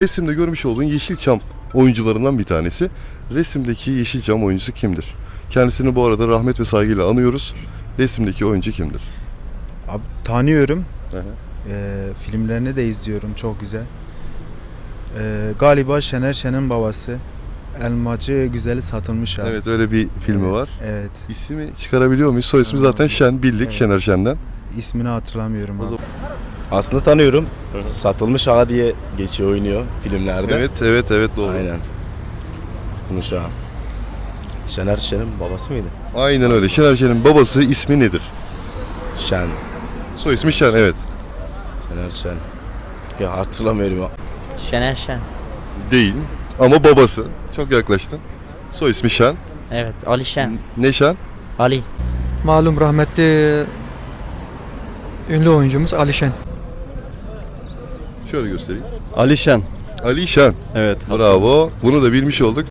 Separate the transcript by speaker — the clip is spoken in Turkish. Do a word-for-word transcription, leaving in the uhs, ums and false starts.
Speaker 1: Resimde görmüş olduğun Yeşilçam oyuncularından bir tanesi. Resimdeki Yeşilçam oyuncusu kimdir? Kendisini bu arada rahmet ve saygıyla anıyoruz. Resimdeki oyuncu kimdir?
Speaker 2: Abi, tanıyorum.
Speaker 1: Hı hı.
Speaker 2: Ee, filmlerini de izliyorum. Çok güzel. Ee, galiba Şener Şen'in babası. Elmacı Güzeli Satılmış abi.
Speaker 1: Evet, öyle bir filmi
Speaker 2: Evet,
Speaker 1: var.
Speaker 2: Evet.
Speaker 1: İsmi çıkarabiliyor muyuz? Soy ismi zaten Şen, bildik,
Speaker 2: Evet.
Speaker 1: Şener Şen'den.
Speaker 2: İsmini hatırlamıyorum
Speaker 1: O
Speaker 2: abi.
Speaker 1: zaman-
Speaker 3: Aslında tanıyorum. Satılmış Ağa diye geçiyor, oynuyor filmlerde.
Speaker 1: Evet, evet, evet doğru.
Speaker 3: Aynen. Satılmış Ağa. Şener Şen'in babası mıydı?
Speaker 1: Aynen öyle. Şener Şen'in babası ismi nedir?
Speaker 3: Şen.
Speaker 1: Soy ismi Şen, evet.
Speaker 3: Şener Şen. Ya hatırlamıyorum ya.
Speaker 4: Şener Şen.
Speaker 1: Değil ama babası. Çok yaklaştın. Soy ismi Şen.
Speaker 4: Evet, Ali Şen.
Speaker 1: Ne Şen?
Speaker 4: Ali.
Speaker 5: Malum rahmetli ünlü oyuncumuz Alişen.
Speaker 1: Şöyle göstereyim.
Speaker 6: Alişen.
Speaker 1: Ali Şen.
Speaker 6: Evet.
Speaker 1: Bravo. Bunu da bilmiş olduk.